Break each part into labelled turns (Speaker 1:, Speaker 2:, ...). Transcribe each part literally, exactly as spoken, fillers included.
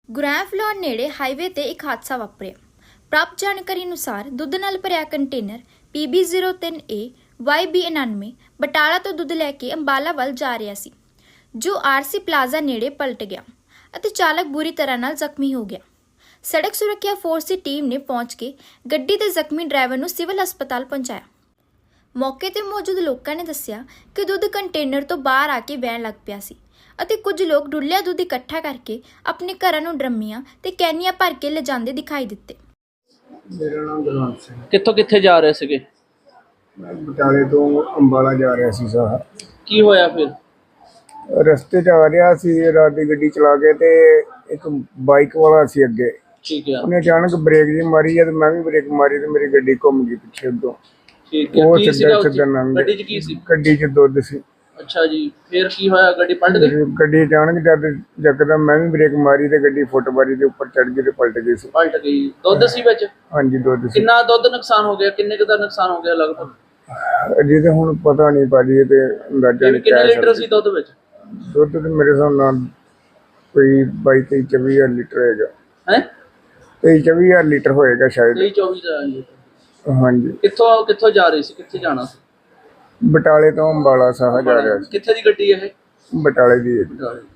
Speaker 1: ਗੁਰੈਂਫ floor ਨੇੜੇ highway ਤੇ ਇੱਕ ਹਾਦਸਾ ਵਾਪਰਿਆ। ਪ੍ਰਾਪਤ ਜਾਣਕਾਰੀ ਅਨੁਸਾਰ ਦੁੱਧ ਨਾਲ ਭਰਿਆ ਕੰਟੇਨਰ ਪੀ ਬੀ ਜ਼ੀਰੋ ਤਿੰਨ ਏ ਵਾਈ ਬੀ ਉਨਾਨਵੇਂ ਬਟਾਲਾ ਤੋਂ ਦੁੱਧ ਲੈ ਕੇ ਅੰਬਾਲਾ ਵੱਲ ਜਾ ਰਿਹਾ ਸੀ, ਜੋ ਆਰ ਸੀ ਪਲਾਜ਼ਾ ਨੇੜੇ ਪਲਟ ਗਿਆ ਅਤੇ ਚਾਲਕ ਬੁਰੀ ਤਰ੍ਹਾਂ ਨਾਲ ਜ਼ਖਮੀ ਹੋ ਗਿਆ। ਸੜਕ ਸੁਰੱਖਿਆ ਫੋਰਸ ਦੀ ਟੀਮ ਨੇ ਪਹੁੰਚ ਕੇ ਗੱਡੀ ਦੇ ਜ਼ਖਮੀ ਡਰਾਈਵਰ ਨੂੰ ਸਿਵਲ ਹਸਪਤਾਲ ਪਹੁੰਚਾਇਆ। ਮੌਕੇ ਤੇ ਮੌਜੂਦ ਲੋਕਾਂ ਨੇ ਦੱਸਿਆ ਕਿ ਦੁੱਧ ਕੰਟੇਨਰ ਤੋਂ ਬਾਹਰ ਆ ਕੇ ਵਹਿਣ ਲੱਗ ਪਿਆ ਸੀ ਅਤੇ ਕੁਝ ਲੋਕ ਡੁੱਲਿਆ ਦੁੱਧ ਇਕੱਠਾ ਕਰਕੇ ਆਪਣੇ ਘਰਾਂ ਨੂੰ ਡਰਮੀਆਂ ਤੇ ਕੈਨੀਆਂ ਭਰ ਕੇ ਲਿਜਾਂਦੇ ਦਿਖਾਈ ਦਿੱਤੇ।
Speaker 2: ਮੇਰਾ ਨਾਮ ਗੁਰਵੰਤ ਸਿੰਘ।
Speaker 3: ਕਿੱਥੋਂ ਕਿੱਥੇ ਜਾ ਰਹੇ ਸੀਗੇ?
Speaker 2: ਮੈਂ ਬਟਾਲੇ ਤੋਂ ਅੰਬਾਲਾ ਜਾ ਰਿਹਾ ਸੀ ਸਾਹ।
Speaker 3: ਕੀ ਹੋਇਆ ਫਿਰ?
Speaker 2: ਰਸਤੇ 'ਚ ਆ ਰਿਹਾ ਸੀ, ਰਾਤ ਦੀ ਗੱਡੀ ਚਲਾ ਕੇ ਤੇ ਇੱਕ ਬਾਈਕ ਵਾਲਾ ਸੀ ਅੱਗੇ।
Speaker 3: ਠੀਕ ਹੈ,
Speaker 2: ਉਹਨੇ ਅਚਾਨਕ ਬ੍ਰੇਕ ਜੀ ਮਾਰੀ ਜਦ ਮੈਂ ਵੀ ਬ੍ਰੇਕ ਮਾਰੀ ਤੇ ਮੇਰੀ ਗੱਡੀ ਘੁੰਮ ਗਈ ਪਿੱਛੇ ਉੱਤੋਂ।
Speaker 3: ਠੀਕ ਹੈ।
Speaker 2: ਉਹ
Speaker 3: ਕੀ ਸੀਗਾ
Speaker 2: ਸਿੱਧਾ
Speaker 3: ਉਸ 'ਚ?
Speaker 2: ਸਿੱਧਾ ਲੰਘ
Speaker 3: ਗੱਡੀ 'ਚ ਕੀ ਸੀ?
Speaker 2: ਗੱਡੀ 'ਚ ਦੁੱਧ ਸੀ।
Speaker 3: ਅੱਛਾ ਜੀ, ਫਿਰ ਕੀ ਹੋਇਆ? ਗੱਡੀ ਪਲਟ ਗਈ?
Speaker 2: ਗੱਡੀ ਅਚਾਨਕ ਜਦ ਯਕਦਮ ਮੈਂ ਵੀ ਬ੍ਰੇਕ ਮਾਰੀ ਤੇ ਗੱਡੀ ਫੁੱਟਬਾਰੀ ਦੇ ਉੱਪਰ ਚੜ ਗਈ ਤੇ ਪਲਟ ਗਈ ਸੀ।
Speaker 3: ਪਲਟ ਗਈ। ਦੁੱਧ ਸੀ ਵਿੱਚ?
Speaker 2: ਹਾਂਜੀ ਦੁੱਧ ਸੀ।
Speaker 3: ਕਿੰਨਾ ਦੁੱਧ ਨੁਕਸਾਨ ਹੋ ਗਿਆ? ਕਿੰਨੇ ਕੁ ਦਾ ਨੁਕਸਾਨ ਹੋ ਗਿਆ ਲਗਭਗ?
Speaker 2: ਅਜੇ ਤੇ ਹੁਣ ਪਤਾ ਨਹੀਂ ਭਾਜੀ, ਤੇ ਅੰਦਾਜ਼ਾ ਨਹੀਂ
Speaker 3: ਕਿੰਨੇ
Speaker 2: ਕਹਿ
Speaker 3: ਲੀਟਰ
Speaker 2: ਸਕਦੇ।
Speaker 3: ਸੀ ਦੁੱਧ ਵਿੱਚ?
Speaker 2: ਦੁੱਧ ਤੇ ਮੇਰੇ ਹਿਸਾਬ ਨਾਲ ਕੋਈ ਬਾਈ ਤੇਈ ਚੌਵੀ ਹਜ਼ਾਰ ਲੀਟਰ ਹੋਏਗਾ।
Speaker 3: ਹੈ
Speaker 2: ਤੇਈ ਚੌਵੀ ਹਜ਼ਾਰ ਲੀਟਰ ਹੋਏਗਾ ਸ਼ਾਇਦ।
Speaker 3: ਤੇਈ ਚੌਵੀ ਦਾ ਲੀਟਰ।
Speaker 2: ਹਾਂਜੀ।
Speaker 3: ਕਿੱਥੋਂ ਕਿੱਥੋਂ ਜਾ ਰਹੀ ਸੀ? ਕਿੱਥੇ ਜਾਣਾ ਸੀ?
Speaker 2: ਬਟਾਲੇ ਤੋਂ ਅੰਬਾਲਾ ਸਾਹ ਜਾ ਰਿਹਾ ਸੀ।
Speaker 3: ਕਿੱਥੇ ਦੀ ਗੱਡੀ ਇਹ?
Speaker 2: ਬਟਾਲੇ ਦੀ ਹੈ ਜੀ।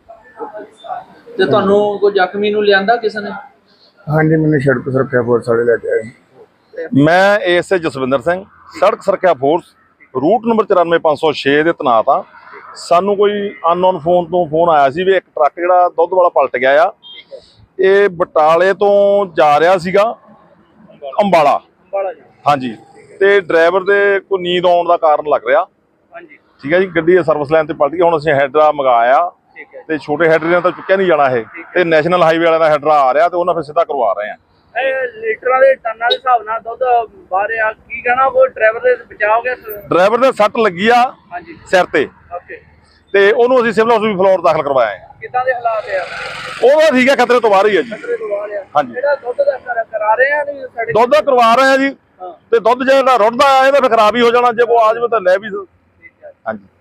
Speaker 3: ਤੇ ਤੁਹਾਨੂੰ ਕੋਈ ਜ਼ਖਮੀ ਨੂੰ ਲਿਆਂਦਾ ਕਿਸੇ ਨੇ?
Speaker 2: ਹਾਂਜੀ, ਮੈਨੂੰ ਸੜਕ ਸੁਰੱਖਿਆ ਫੋਰਸ ਵਾਲੇ ਲੈ ਕੇ ਆਏ।
Speaker 4: ਮੈਂ ਏਐਸਏ ਜਸਵਿੰਦਰ ਸਿੰਘ, ਸੜਕ ਸੁਰੱਖਿਆ ਫੋਰਸ ਰੂਟ ਨੰਬਰ ਚੁਰਾਨਵੇਂ ਪੰਜ ਸੌ ਛੇ ਦੇ ਤੈਨਾਤ ਆ। ਸਾਨੂੰ ਕੋਈ ਅਨਨੋਨ ਫੋਨ ਤੋਂ ਫੋਨ ਆਇਆ ਸੀ ਵੀ ਇੱਕ ਟਰੱਕ ਜਿਹੜਾ ਦੁੱਧ ਵਾਲਾ ਪਲਟ ਗਿਆ ਆ। ਇਹ ਬਟਾਲੇ ਤੋਂ ਜਾ ਰਿਹਾ ਸੀਗਾ ਅੰਬਾਲਾ। ਹਾਂਜੀ, ਤੇ ਡਰਾਈਵਰ ਦੇ ਕੋਈ ਨੀਂਦ ਆਉਣ ਦਾ ਕਾਰਨ ਲੱਗ ਰਿਹਾ।
Speaker 3: ਹਾਂਜੀ,
Speaker 4: ਠੀਕ ਹੈ ਜੀ। ਗੱਡੀ ਸਰਵਿਸ ਲਾਈਨ ਤੇ ਪਲਟ ਗਈ। ਹੁਣ ਅਸੀਂ ਹੈਡਰਾ ਮੰਗਾਇਆ ਤੇ ਛੋਟੇ ਹੈਡਰੇ ਨਾਲ ਤਾਂ ਚੁੱਕਿਆ ਨਹੀਂ ਜਾਣਾ ਇਹ, ਤੇ ਨੈਸ਼ਨਲ ਹਾਈਵੇ ਵਾਲਿਆਂ ਦਾ ਹੈਡਰਾ ਆ ਰਿਹਾ ਤੇ ਉਹਨਾਂ ਫਿਰ ਸਿੱਧਾ ਕਰਵਾ ਰਹੇ ਆ।
Speaker 3: ਇਹ ਲੀਟਰਾਂ ਦੇ ਟਨਾਂ ਦੇ ਹਿਸਾਬ ਨਾਲ ਦੁੱਧ ਬਾਹਰ ਆ। ਕੀ ਕਹਿਣਾ ਉਹ ਡਰਾਈਵਰ ਦੇ ਬਚਾਅ ਹੋ ਗਿਆ?
Speaker 4: ਡਰਾਈਵਰ ਦੇ ਸੱਟ ਲੱਗੀ ਆ
Speaker 3: ਹਾਂਜੀ,
Speaker 4: ਸਿਰ ਤੇ,
Speaker 3: ਓਕੇ।
Speaker 4: ਤੇ ਉਹਨੂੰ ਅਸੀਂ ਸਿਵਲ ਹਸਪਤਾਲ ਫਲੋਰ ਦਾਖਲ ਕਰਵਾਇਆ ਹੈ।
Speaker 3: ਕਿੱਦਾਂ ਦੇ ਹਾਲਾਤ ਆ?
Speaker 4: ਉਹਦਾ ਠੀਕ ਹੈ, ਖਤਰੇ ਤੋਂ ਬਾਹਰ ਹੀ ਹੈ ਜੀ।
Speaker 3: ਖਤਰੇ ਤੋਂ ਬਾਹਰ ਆ।
Speaker 4: ਹਾਂਜੀ,
Speaker 3: ਜਿਹੜਾ ਦੁੱਧ ਦਾ ਕਰ- ਕਰਾ ਰਹੇ ਆ ਨਹੀਂ ਸਾਡੇ
Speaker 4: ਦੁੱਧ ਕਰਵਾ ਰਹੇ ਆ ਜੀ। ਤੇ ਦੁੱਧ ਜਿਹੜਾ ਰੁੜਦਾ ਆ ਇਹਦਾ ਫਿਰ ਖਰਾਬ ਹੀ ਹੋ ਜਾਣਾ। ਜੇ ਕੋ ਆ ਜਾਵੇ ਤਾਂ ਲੈ ਵੀ।
Speaker 3: ਠੀਕ ਹੈ।
Speaker 4: ਹਾਂਜੀ।